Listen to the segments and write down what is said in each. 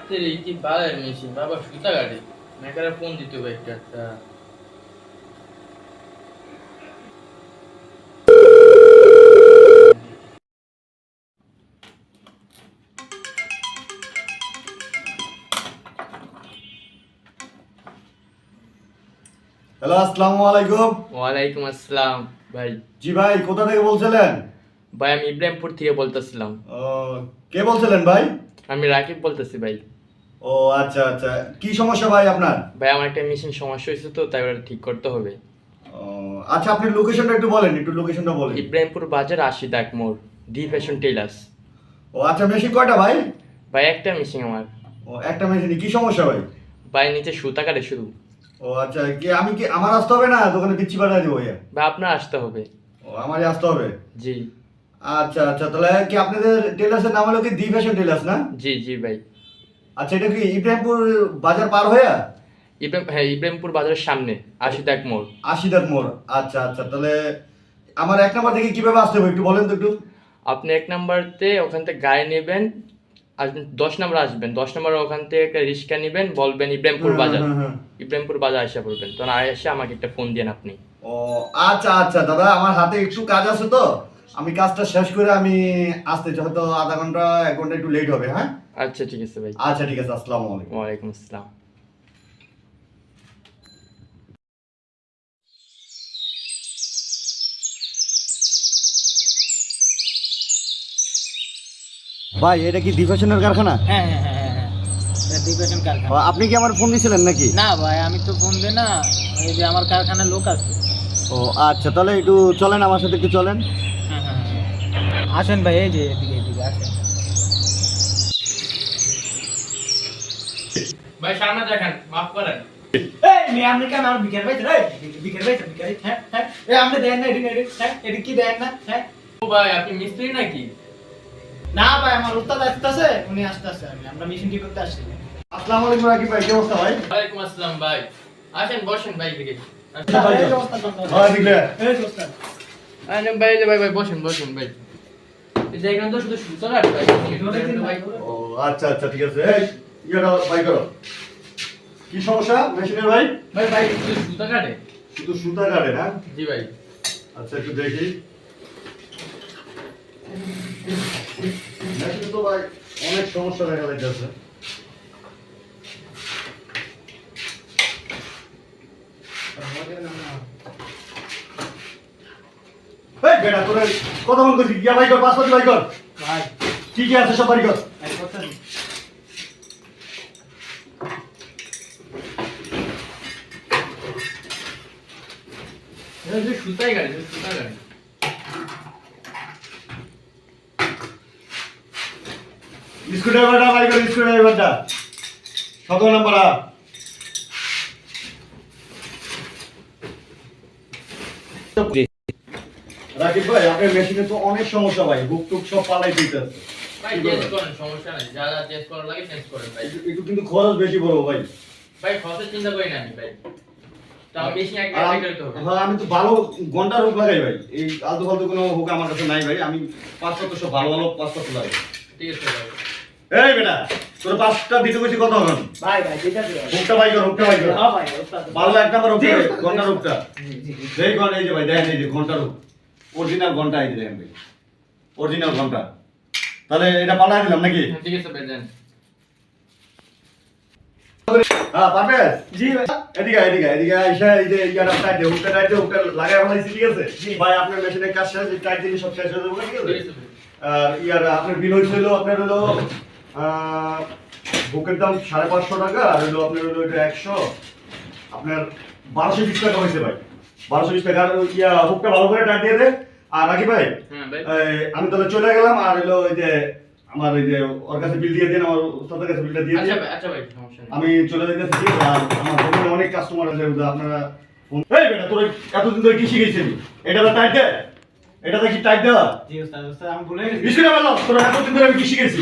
তেরে কি বালের মেশিন বাবা সুতা কাটে মেকারে ফোন দিতে হবে একটা হ্যালো, আসসালামু আলাইকুম। ওয়ালাইকুম আসসালাম ভাই। জি ভাই, কোথা থেকে বলছিলেন? ভাই আমি ইব্রাহিমপুর থেকে বলতেছিলাম। ও, কে বলছিলেন ভাই? আমি রাকিব বলতেছি ভাই। ও আচ্ছা আচ্ছা, কি সমস্যা ভাই আপনার? ভাই আমার একটা মেশিন সমস্যা হয়েছে তো তাই ওটা ঠিক করতে হবে। ও আচ্ছা, আপনি লোকেশনটা একটু বলেন, বলেন। ইব্রাহিমপুর বাজার ৮০ দাগ মোড়, ডি ফ্যাশন টেলার্স। ও আচ্ছা, মেশিন কয়টা ভাই? ভাই একটা মেশিন আমার। ও একটা মেশিনে কি সমস্যা ভাই? ভাই নিচে সুতা কাটে শুধু। ও আচ্ছা, আমি কি আমার আসতে হবে না দোকানে পিচ্ছি পাঠিয়ে দেবো ভাইয়া? ভাই আপনার আসতে হবে। ও আমারই আসতে হবে? জি আচ্ছা আচ্ছা, তাহলে কি আপনাদের টেলার্সের নাম হলো কি দি ফ্যাশন টেলার্স না? জি জি ভাই। আচ্ছা, এটা কি ইব্রাহিমপুর বাজার পার হয়ে? হ্যাঁ ইব্রাহিমপুর বাজারের সামনে ৮০ দাগ মোড়। আশিদার মোড়। আচ্ছা আচ্ছা, তাহলে আমার 1 নাম্বার থেকে কিভাবে আসতে হবে একটু বলেন তো একটু। আপনি ১ নাম্বারতে ওখান থেকে গাড়ি নেবেন, আসবেন ১০ নাম্বার আসবেন, ১০ নাম্বার ওখান থেকে একটা রিক্সা নেবেন, বলবেন ইব্রাহিমপুর বাজার। ইব্রাহিমপুর বাজার আসা পড়বেন, তখন এসে আমাকে একটা ফোন দেন আপনি। ও আচ্ছা আচ্ছা দাদা, আমার হাতে একটু কাজ আছে তো, আমি কাজটা শেষ করে আমি আসতেছি, হয়তো আধা ঘন্টা 1 ঘন্টা একটু লেট হবে। হ্যাঁ আচ্ছা ঠিক আছে ভাই। আচ্ছা ঠিক আছে, আসসালামু আলাইকুম। ওয়ালাইকুম আসসালাম। ভাই, এটা কি দি ফ্যাশনের কারখানা? হ্যাঁ হ্যাঁ হ্যাঁ হ্যাঁ হ্যাঁ, এটা ডিপ্রেশন ও, কারখানা। আপনি কি আমার ফোন দিয়েছিলেন নাকি? না ভাই, আমি তো ফোন দিই না, এই যে আমার কারখানার লোক আছে। ও আচ্ছা, তাহলে একটু চলেন আমার সাথে, একটু চলেন। হ্যাঁ হ্যাঁ হ্যাঁ, আসেন ভাই, এই যে এদিকে এদিকে আসেন। ভাই সামনে দেখেন, মাফ করেন। এই মেয়ে, আপনি কেন আমার বিকেল ভাই রে? বিকেল ভাই হ্যাঁ হ্যাঁ, এই আপনি দেন না এদিকে এদিকে, হ্যাঁ এদিকে কি দেন না? হ্যাঁ ও ভাই আপনি মিস্ত্রি নাকি? না ভাই, আমার উস্তাদ আসতেছে, উনি আসতেছে, আমরা মিশন ঠিক করতে আসছি। আসসালামু আলাইকুম রাকিব ভাই, কি অবস্থা ভাই? ওয়ালাইকুম আসসালাম ভাই। আসেন বসেন ভাই এদিকে। ভাই, এই যে উস্তাদ বন্ধ। ভাই, দিলে। এই যে উস্তাদ। ভাই এই যে ভাই ভাই বসেন বসেন ভাই। এই যে এখানে তো শুধু সুতো কাটে ভাই। ভাই ও আচ্ছা আচ্ছা, ঠিক আছে। এই ইয়েটা বাই করো। কি সমস্যা মেশিনের ভাই? ভাই ভাই শুধু সুতো কাটে। শুধু সুতা কাটে না? জি ভাই। আচ্ছা, একটু দেখি। মেশিনে তো ভাই অনেক সমস্যা দেখা যাচ্ছে। এই বেটা, তোরে কথা বল করছি, গিয়া ভাই কর, পাসপোর্ট ভাই কর। ভাই কি কি আছে সব বাড়ি কর। এই কথা এটা শুধু সুতাই কাটে, শুধু সুতা কাটে। স্ক্রুড্রাইভারটা বাই কর, স্ক্রুড্রাইভারটা 17 নাম্বার। রাকিব ভাই, আপনার মেশিনে তো অনেক সমস্যা ভাই, বুক টুক সব পাল্টাই দিতে আছে। ভাই চেঞ্জ করেন, সমস্যা নাই, যা যা চেঞ্জ করা লাগে চেঞ্জ করেন ভাই। একটু কিন্তু খরচ বেশি বড় ভাই। ভাই খরচের চিন্তা করি না আমি ভাই। তো আমি মেশিন এক আর এক করতে হবে। হ্যাঁ, আমি তো ভালো ঘন্টার হুক লাগাই ভাই, এই আলতু ফালতু কোনো হুক আমার কাছে নাই ভাই। আমি 5 সব ভালো ভালো 5 লাগাই। ঠিক আছে ভাই। এই বেটা, তোর 5টা দিতে কইছি কত হবে? ভাই ভাই যেটা দিও। হুকটা বাই কর, হুকটা বাই কর। হ্যাঁ ভাই, উস্তাদ। ভালো 1 নাম্বার হুক, ঘন্টার হুকটা। জি জি জি। এই ঘন্টা, এই যে ভাই দেখেন, এই যে ঘন্টার হুক, অরিজিনাল ঘন্টা, এই যে দেখেন ভাই, অরিজিনাল ঘন্টা। তাহলে এটা পাল্টাই দিলাম নাকি? ঠিক আছে ভাই দেন। হ্যাঁ পারবে? জি ভাই। এদিকে এদিকে এদিকে আইসা, এই যে ইয়াটা টাইট দে, হুকটা টাইট দে, হুকটা লাগাই ফেলাইছি, ঠিক আছে? ভাই আপনার মেশিনের কাজ শেষ, টাইট দিলে সব শেষ হয়ে যাবে, ঠিক আছে? ঠিক আছে ভাই। আর ইয়ার আপনার বিল হইছিল, আপনার হলো বুকের দাম 550 টাকা, আর হলো আপনার হলো এটা 100, আপনার 1220 টাকা হয়েছে ভাই। 1220 টাকা। আর ইয়া হুকটা ভালো করে টাইট দিয়ে দে। আর রাখি ভাই, হ্যাঁ ভাই। আমি তাহলে চলে গেলাম। আর হলো ওই যে আমার ওই যে ওর কাছে বিল দিয়ে দিন, আমার ওস্তাদের কাছে বিলটা দিয়ে আচ্ছা দিন। ভাই, আচ্ছা ভাই সমস্যা নেই। আমি চলে যেতেছি, ঠিক আছে? আর আমার দোকানে অনেক কাস্টমার আছে, আপনারা এই বেটা, তোর এতদিন ধরে কি শিখেছিস? এটা তো টাইট দে, এটা কি টাইট দেওয়া? জি উস্তাদ, উস্তাদ আমি ভুলে গেছি। বিস্কুট বললো, তোর এতদিন ধরে আমি কি শিখেছি?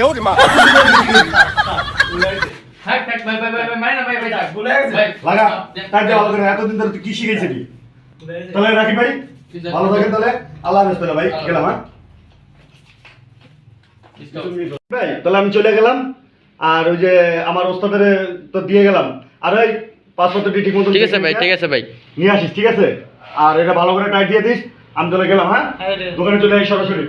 থাক থাক ভাই ভাই ভাই ভাই, মানে না ভাই ভাই থাক। ভুলে গেছি। ভাই লাগা দেন। টাইট দে ভালো করে, এতদিন ধরে তুই কি শিখেছিলি? ভুলে গেছি। তাহলে রাখি ভাই, ঠিক আছে। ভালো থাকেন তাহলে। আল্লাহ হাফেজ তাহলে ভাই, গেলাম। হ্যাঁ ভাই, তাহলে আমি চলে গেলাম। আর ওই যে আমার ওস্তাদের তো দিয়ে গেলাম, আর ওই পাসপোর্টটি ঠিক মতো ঠিক আছে ভাই, ঠিক আছে ভাই। নিয়ে আসিস, ঠিক আছে? আর এটা ভালো করে টাইট দিয়ে দিস। আমি চলে গেলাম, হ্যাঁ? দোকানে চলে আসি সরাসরি।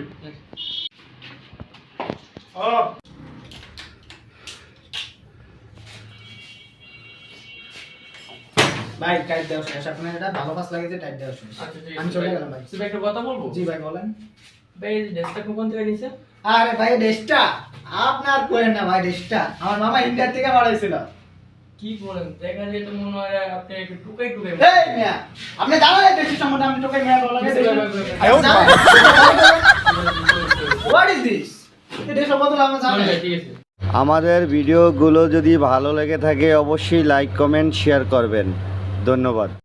ভাই টাইট দেওয়া শেষ, আপনার এটা ভালো কাজ লাগে যে টাইট দেওয়া শেষ। আমি চলে গেলাম ভাই। ভাই একটা কথা বলবো? জি ভাই বলেন। ভাই এই ড্রেসটা কোন থেকে নিছে? আরে ভাই ডেস্কটা আপনার কোয়েন না ভাই, ডেস্কটা আমার মামা ইন্ডিয়া থেকে বাড়াইছিল। কি বলেন, দেখা যায় তো মনে হয় আপনি একটু টুকাই টুকাই এই মিয়া, আপনি জানেন এই ডেস্কের সম্বন্ধে আমি তোকে মিয়া বলা গেছে। What is this? এই ডেস্ক সম্বন্ধে আমরা জানি। ঠিক আছে। আমাদের ভিডিওগুলো যদি ভালো লেগে থাকে অবশ্যই লাইক কমেন্ট শেয়ার করবেন। ধন্যবাদ।